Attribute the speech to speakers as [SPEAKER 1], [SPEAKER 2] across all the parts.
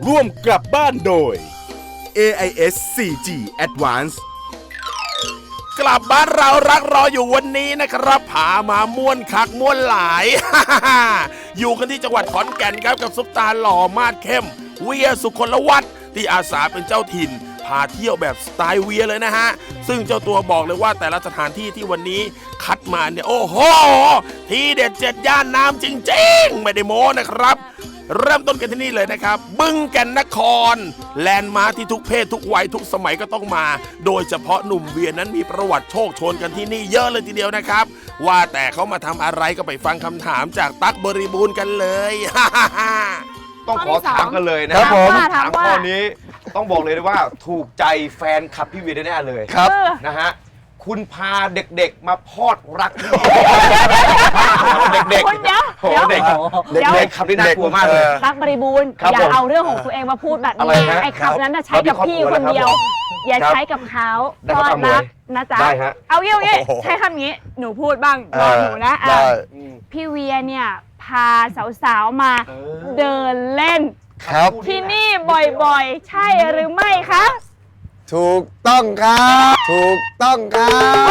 [SPEAKER 1] ร่วมกลับบ้านโดย AIS 4G Advance กลับบ้านเรารักรออยู่วันนี้นะครับพามาม่วนคักม่วนหลาย อยู่กันที่จังหวัดขอนแก่นครับกับซุปตาหล่อมาดเข้มเวียสุคนละวัฒน์ที่อาสาเป็นเจ้าถิ่นพาเที่ยวแบบสไตล์เวียเลยนะฮะซึ่งเจ้าตัวบอกเลยว่าแต่ละสถานที่ที่วันนี้คัดมาเนี่ยโอ้โหที่เด็ด7 ย่านน้ำจริงๆไม่ได้โม้นะครับเริ่มต้นกันที่นี่เลยนะครับบึงแก่นนครแลนด์มาร์คที่ทุกเพศทุกวัยทุกสมัยก็ต้องมาโดยเฉพาะหนุ่มเวียนั้นมีประวัติโชคโชนกันที่นี่เยอะเลยทีเดียวนะครับว่าแต่เขามาทำอะไรก็ไปฟังคำถามจากตั๊กบริบูรณ์กันเลย
[SPEAKER 2] ต้องขอถามกันเลยนะครับ
[SPEAKER 3] ผม
[SPEAKER 2] ถามข้อนี้ต้องบอกเลยว่าถูกใจแฟนคลับพี่เวียแน่ๆเลย
[SPEAKER 3] ครับ
[SPEAKER 2] นะฮะคุณพาเด็กๆมาพอดรักเด็ก
[SPEAKER 4] คุณเดี๋ยว
[SPEAKER 2] ๆโอ้โหเด็กๆขับนี่น่ากลัวมากเลย
[SPEAKER 4] รักบริบูรณ์
[SPEAKER 2] ครับ
[SPEAKER 4] อย่า
[SPEAKER 2] ผม
[SPEAKER 4] เอาเรื่องของตัวเองมาพูดแบบ
[SPEAKER 2] อะไร
[SPEAKER 4] นี้
[SPEAKER 2] ฮะ
[SPEAKER 4] ไอ้คำนั้นน่ะใช้กับพี่
[SPEAKER 2] เรามีครอบครัว
[SPEAKER 4] คนเดียว
[SPEAKER 2] แล้วครับ
[SPEAKER 4] อย่า
[SPEAKER 2] ครับ
[SPEAKER 4] ใช้กับเขา
[SPEAKER 2] ได้
[SPEAKER 4] ก็
[SPEAKER 2] ครับ
[SPEAKER 4] รักนะจ๊ะ
[SPEAKER 2] ได้ฮะ
[SPEAKER 4] เอางี้
[SPEAKER 3] โอ้โห
[SPEAKER 4] ใช้คำนี้หนูพูดบ้างรอหนูนะอ่ะ
[SPEAKER 3] ได้
[SPEAKER 4] พี่เวียเนี่ยพาสาวๆมาเดินเล่น
[SPEAKER 3] ครับ
[SPEAKER 4] ที่นี่บ่อยๆ ใช่หรือไม่คะ
[SPEAKER 3] ถูกต้องครับ ถูกต้องครับ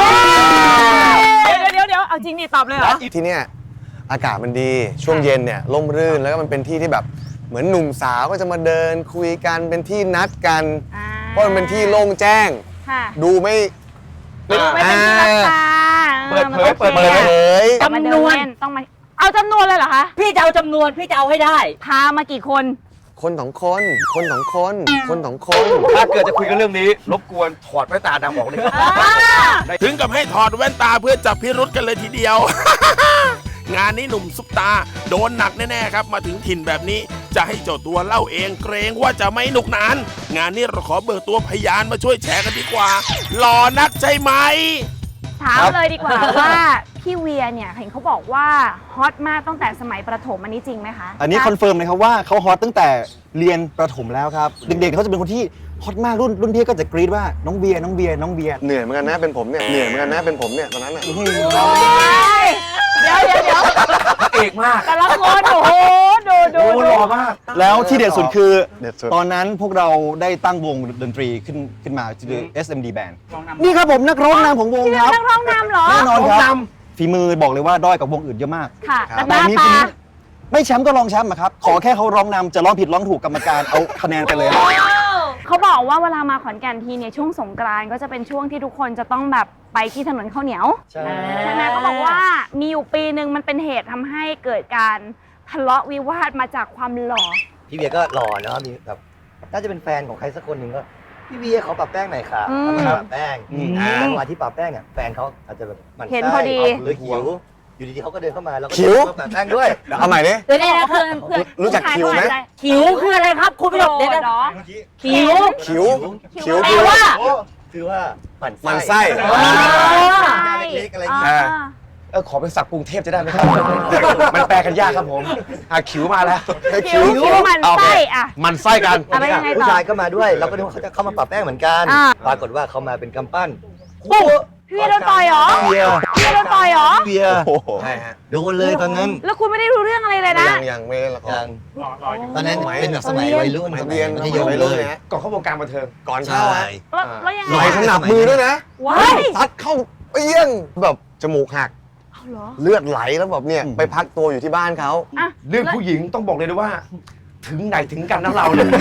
[SPEAKER 4] เดี๋ยวเอาจริงนี่ตอบเลยเหรอ
[SPEAKER 3] ที่เนี่ยอากาศมันดีช่วงเย็นเนี่ยร่มรื่นแล้วก็มันเป็นที่ที่แบบเหมือนหนุ่มสาวก็จะมาเดินคุยกันเป็นที่นัดกัน เพราะมันเป็นที่โล่งแจ้ง
[SPEAKER 4] ค่ะ
[SPEAKER 3] ดูไม่
[SPEAKER 4] ไม่เป็นที่รับตา
[SPEAKER 2] เปิดเผย
[SPEAKER 4] มันโอค
[SPEAKER 2] เปิด
[SPEAKER 3] เปิดเผย
[SPEAKER 4] แต่มาเดินเล่นต้องมาเอาจำนวนเลยเหรอคะ
[SPEAKER 5] พี่จะเอาจำนวนพี่จะเอาให้ได้
[SPEAKER 4] พามากี่คน
[SPEAKER 3] คนสองคนคนสองคนคนสองคน
[SPEAKER 2] ถ้าเกิดจะคุยกันเรื่องนี้รบกวนถอดแว่นตาดำออกเลยครับ
[SPEAKER 1] ถึงกับให้ถอดแว่นตาเพื่อจับพิรุษกันเลยทีเดียว งานนี้หนุ่มซุปตาโดนหนักแน่ๆครับมาถึงถิ่นแบบนี้จะให้เจ้าตัวเล่าเองเกรงว่าจะไม่หนุกหนานงานนี้เราขอเบิกตัวพยานมาช่วยแชร์กันดีกว่าหล่อนักใช่ไหม
[SPEAKER 4] ถามเลยดีกว่าว่าพี่เวียเนี่ยเห็นเขาบอกว่าฮอตมากตั้งแต่สมัยประถมอันนี้จริงไหมคะ
[SPEAKER 6] อันนี้คอนเฟิร์มเลยครับว่าเขาฮอตตั้งแต่เรียนประถมแล้วครับ เด็กๆเขาจะเป็นคนที่ฮอตมากรุ่นพี่ก็จะกรี๊ดว่าน้องเบียร์น้องเบียร์น้องเบียร์
[SPEAKER 3] เหนื่อยเหมือนกันนะเป็นผมเนี่ยเหนื่อยเหมือนกันนะเป็นผมเนี่ยตอนนั้นน่ะ
[SPEAKER 4] โอ้ยเดี๋ยว
[SPEAKER 2] เอกมาก
[SPEAKER 4] แต่ละคนโอ้โหดู
[SPEAKER 2] โอ้หล่อมาก
[SPEAKER 6] แล้วที่เด็ดสุดคือ
[SPEAKER 3] เด็ดสุด
[SPEAKER 6] ตอนนั้นพวกเราได้ตั้งวงดนตรีขึ้นมาชื่อ SMD Band นี่ครับผมนักร้องนำของวง
[SPEAKER 4] พี่
[SPEAKER 6] ครับ
[SPEAKER 4] นักร้องนำเหรอ
[SPEAKER 6] แน่นอนค
[SPEAKER 2] ร้
[SPEAKER 6] รั
[SPEAKER 2] อง
[SPEAKER 6] บ
[SPEAKER 2] น
[SPEAKER 6] ฝีมือบอกเลยว่าด้อยกับวงอื่นเยอะมาก
[SPEAKER 4] ค่ะ
[SPEAKER 3] ครับ
[SPEAKER 4] แต่หน้า
[SPEAKER 6] นี้
[SPEAKER 4] ตา
[SPEAKER 6] ไม่แชมป์ก็รองแชมป์อะครับขอแค่เขาร้องนำจะร้องผิดร้องถูกกรรมการเอาคะแนนไปเลยครับ
[SPEAKER 4] เขาบอกว่าเวลามาขอนแก่นทีเนี่ยช่วงสงกรานต์ก็จะเป็นช่วงที่ทุกคนจะต้องแบบไปที่ถนนข้าวเหนียว
[SPEAKER 5] ใช่
[SPEAKER 4] ใช่ไหมเขาบอกว่ามีอยู่ปีหนึ่งมันเป็นเหตุทำให้เกิดการทะเลาะวิวาทมาจากความหล่อ
[SPEAKER 5] พี่เบียร์ก็หล่อเนาะมีแบบน่าจะเป็นแฟนของใครสักคนหนึ่งก็พี่เบียร์เขาปรับแป้งหน่อยค่ะ
[SPEAKER 4] อืม
[SPEAKER 5] เขามาปรับแป้งจังหวะที่ปรับแป้งเนี่ยแฟนเขาอาจจะแบบมัน
[SPEAKER 4] เห็นพอดี
[SPEAKER 5] หรือหิวอยู่ดีๆเขาก็เดินเข้ามาแล้วก็
[SPEAKER 3] หิว
[SPEAKER 5] เดินเข้ามาปรับแป้งด้วย
[SPEAKER 3] เอาใหม่ดิ
[SPEAKER 4] เดี๋ยวเพื่อน
[SPEAKER 3] รู้จักคิวไหม
[SPEAKER 5] หิวคืออะไรครับคุณผู้ชม
[SPEAKER 4] เดี๋
[SPEAKER 5] เดี๋
[SPEAKER 4] ย
[SPEAKER 5] ยว ว
[SPEAKER 4] เนาะ
[SPEAKER 5] หิว
[SPEAKER 3] คิวคิว
[SPEAKER 4] แปล
[SPEAKER 3] คือ
[SPEAKER 4] ว่า
[SPEAKER 5] คือว่าหมัน
[SPEAKER 3] หมั่นไส้
[SPEAKER 5] เล็กๆอะไรอย่างเงี้ย
[SPEAKER 2] ขอเป็นศัพท์กรุงเทพจะได้ไหมครับ มันแปลกันยากครับผมขิวมาแล้ว
[SPEAKER 4] คิวมันไส้อะ
[SPEAKER 2] มันไส้กัน
[SPEAKER 4] อะไรยังไง
[SPEAKER 5] ผู้
[SPEAKER 4] ต่อ
[SPEAKER 5] ชายก็มาด้วยเราก็นึกว่าเขาจะเข้ามาปรับแป้งเหมือนกัน
[SPEAKER 4] อ่า
[SPEAKER 5] ปรากฏว่าเขามาเป็นกำปั้น
[SPEAKER 4] พี่โดนต่อยเหรอ
[SPEAKER 5] เบียร์
[SPEAKER 4] พี่โดนต่อยเหรอ
[SPEAKER 5] เบียร์
[SPEAKER 3] โอ้โห
[SPEAKER 5] ใช่ฮะโดนเลยตอนนั้น
[SPEAKER 4] แล้วคุณไม่ได้รู้เรื่องอะไรเลยนะ
[SPEAKER 3] ยังไม่เล่นละคร
[SPEAKER 5] ตอนนั้นเป็นแบบสมัยวัยรุ่น
[SPEAKER 3] ส
[SPEAKER 5] ส
[SPEAKER 3] มั
[SPEAKER 5] มั
[SPEAKER 3] ย
[SPEAKER 5] ย
[SPEAKER 3] เรียน
[SPEAKER 5] มัธยม
[SPEAKER 3] วัย
[SPEAKER 5] เล
[SPEAKER 3] รุ่น
[SPEAKER 5] ย
[SPEAKER 3] เลยฮะ
[SPEAKER 2] ก่อนเข้าวงการบันเทิง
[SPEAKER 3] ก่อนเข้าฮะ
[SPEAKER 4] แล้วยัง
[SPEAKER 3] ไห
[SPEAKER 4] ไง
[SPEAKER 3] ลขนาบมือด้วยนะ
[SPEAKER 4] ว้าย
[SPEAKER 3] ซัดเข้าเปี้ยงแบบจมูกหัก
[SPEAKER 4] เอาเหรอ
[SPEAKER 3] เลือดไหลแล้วแบบเนี่ยไปพักตัวอยู่ที่บ้านเขา
[SPEAKER 4] อ่ะ
[SPEAKER 2] เรื่องผู้หญิงต้องบอกเลยนะว่า ถึงไหนถึงกันนะเราเนี่ย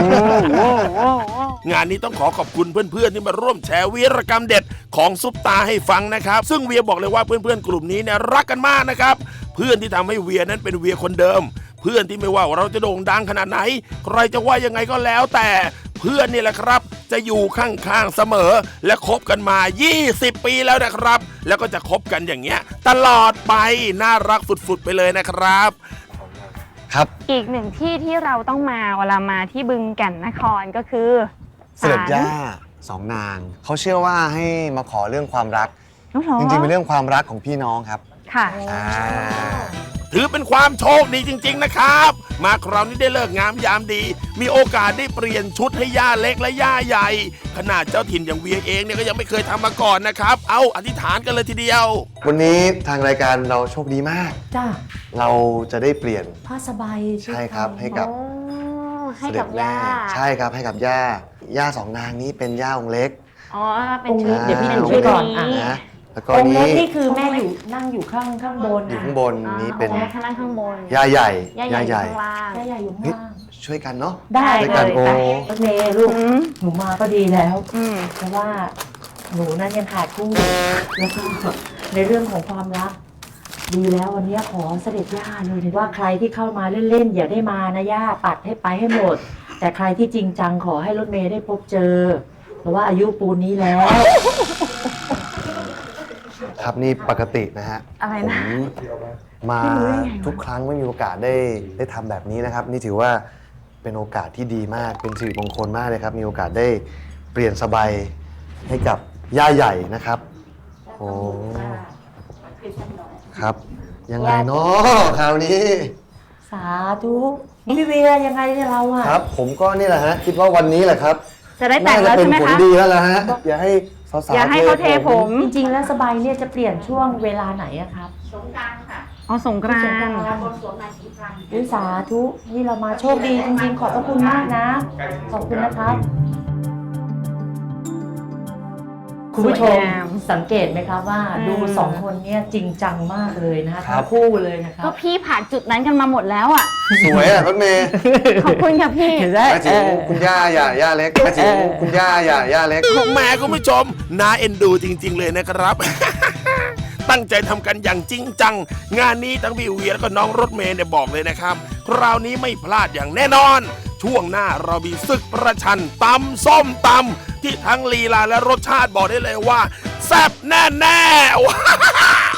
[SPEAKER 1] งานนี้ต้องขอขอบคุณเพื่อนๆที่มาร่วมแชร์วีรกรรมเด็ดของซุปตาให้ฟังนะครับ ซึ่งเวียบอกเลยว่าเพื่อนๆกลุ่มนี้เนี่ยรักกันมากนะครับ เพื่อนที่ทำให้เวียนั้นเป็นเวียคนเดิม เพื่อนที่ไม่ว่าเราจะโด่งดังขนาดไหน ใครจะว่ายังไงก็แล้วแต่ เพื่อนนี่แหละครับ จะอยู่ข้างๆเสมอ และคบกันมา 20 ปีแล้วนะครับ แล้วก็จะคบกันอย่างเงี้ยตลอดไปน่ารักฝุดๆไปเลยนะครับ
[SPEAKER 3] ครับ
[SPEAKER 4] อีกหนึ่งที่ที่เราต้องมาเวลามาที่บึงแก่นนครก็คือ
[SPEAKER 3] เสด็จย่าสองนางเขาเชื่อว่าให้มาขอเรื่องความรัก
[SPEAKER 4] น้องหรอ
[SPEAKER 3] จริงๆเป็นเรื่องความรักของพี่น้องครับ
[SPEAKER 4] ค่ะ
[SPEAKER 3] อ่า
[SPEAKER 1] ถือเป็นความโชคดีจริงๆนะครับ มาคราวนี้ได้เลิกงามยามดี มีโอกาสได้เปลี่ยนชุดให้ย่าเล็กและย่าใหญ่ ขนาดเจ้าถิ่นอย่างเวียเองเนี่ยก็ยังไม่เคยทำมาก่อนนะครับ เอาอธิษฐานกันเลยทีเดียว
[SPEAKER 3] วันนี้ทางรายการเราโชคดีมาก
[SPEAKER 7] จ้า
[SPEAKER 3] เราจะได้เปลี่ยน
[SPEAKER 7] ผ้าสบาย
[SPEAKER 3] ใช่ครับให้กับ
[SPEAKER 4] ให้กับย่า
[SPEAKER 3] ใช่ครับให้กับย่าย่าสองนางนี้เป็นย่าองค์เล็ก
[SPEAKER 4] อ๋อเป็น
[SPEAKER 7] องค์
[SPEAKER 4] ชื่
[SPEAKER 7] นี้
[SPEAKER 4] อ
[SPEAKER 7] เดี๋ยวพี่
[SPEAKER 4] ป็
[SPEAKER 7] ช่วยก่อนอ่ะ
[SPEAKER 3] นะแล้วก็
[SPEAKER 7] องค์เล็ก
[SPEAKER 3] นี้
[SPEAKER 7] นี่คือแม่อยู่นั่งอยู่ข้างบน
[SPEAKER 3] อยู่
[SPEAKER 7] อ่ะ
[SPEAKER 3] ข้างบนนี้เป็น
[SPEAKER 4] อ๋อข้างล่างข้างบน
[SPEAKER 3] ย่าใหญ่
[SPEAKER 4] ย่าใหญ่อยู่ข้างล่าง
[SPEAKER 7] แม่ใหญ่อยู่ข้าง
[SPEAKER 3] เฮ้ย
[SPEAKER 7] ล่าง
[SPEAKER 3] ช่วยกันเนาะ
[SPEAKER 7] ได้
[SPEAKER 3] ด้วย
[SPEAKER 7] เล
[SPEAKER 3] กัน
[SPEAKER 7] ย
[SPEAKER 3] โอ้
[SPEAKER 7] ไปรถเมย์ลูก
[SPEAKER 4] อืม
[SPEAKER 7] หนูมาก็ดีแล้ว
[SPEAKER 4] อืม
[SPEAKER 7] เพราะว่าหนูนั้นยังขาดคู่แล้วก็ในเรื่องของความรัก ดีแล้ววันนี้ขอเสด็จย่าเลยว่าใครที่เข้ามาเล่นๆอย่าได้มานะย่าปัดให้ไปให้หมด แต่ใครที่จริงจังขอให้รถเมย์ได้พบเจอ เพราะว่าอายุปูนนี้แล้ว
[SPEAKER 3] ครับนี่ปกตินะฮะ
[SPEAKER 4] อะไร
[SPEAKER 3] ผม
[SPEAKER 4] นะ
[SPEAKER 3] มา
[SPEAKER 4] ไม่รู้ได้ไงวะ
[SPEAKER 3] ทุกครั้งไม่มีโอกาสได้ทำแบบนี้นะครับ นี่ถือว่าเป็นโอกาสที่ดีมากเป็นสิริมงคลมากเลยครับ มีโอกาสได้เปลี่ยนสบายให้กับย่าใหญ่นะครับโอ้ครับ ยังไงเนาะคราวนี้
[SPEAKER 7] สาธุพี่เวียยังไงเนี่ยเราอะ
[SPEAKER 3] ครับ ผมก็นี่แหละฮะคิดว่าวันนี้แหละครับ
[SPEAKER 4] จะได้แต่ง
[SPEAKER 3] น่า
[SPEAKER 4] แล้
[SPEAKER 3] จะ
[SPEAKER 4] ว
[SPEAKER 3] เป็น
[SPEAKER 4] ใช่ไหม
[SPEAKER 3] ผล
[SPEAKER 4] คะ
[SPEAKER 3] ดีแล้วล่ะฮะอย่าให้สาวๆ
[SPEAKER 4] อย่าให้เขาเทผม
[SPEAKER 7] จริงๆแล้วสบายเนี่ยจะเปลี่ยนช่วงเวลาไหนอะครับ
[SPEAKER 4] อ๋อสงกรานต์
[SPEAKER 7] อุ้ยสาธุนี่เรามาโชคดีจริงๆ ขอบพระคุณมากนะ ขอบคุณนะครับ คุณผู้ชมสังเกตไหมครับว่าดูสองคนเนี่ยจริงจังมากเลยนะคะ
[SPEAKER 3] ครั
[SPEAKER 7] ทั้
[SPEAKER 3] บ
[SPEAKER 7] งคู่เลยนะครั
[SPEAKER 4] ก็
[SPEAKER 7] บ
[SPEAKER 4] พี่ผ่านจุดนั้นกันมาหมดแล้วอ่ะ
[SPEAKER 3] สวยอ่ะรถเมย์
[SPEAKER 4] ขอบคุณค่ะพี่
[SPEAKER 3] หมายถึงคุณย่าย่าเล็กหมายถึงคุณย่าย่าเล็ก
[SPEAKER 1] แหม่คุณผู้ชมน่าเอ็นดูจริง ๆ เลยนะครับ ตั้งใจทำกันอย่างจริงจัง งานนี้ทั้งพี่เวียแล้วก็น้องรถเมย์เนี่ยบอกเลยนะครับ คราวนี้ไม่พลาดอย่างแน่นอน ช่วงหน้าเรามีศึกประชันตำส้มตำที่ทั้งลีลาและรสชาติบอกได้เลยว่า แซ่บแน่ๆว้าว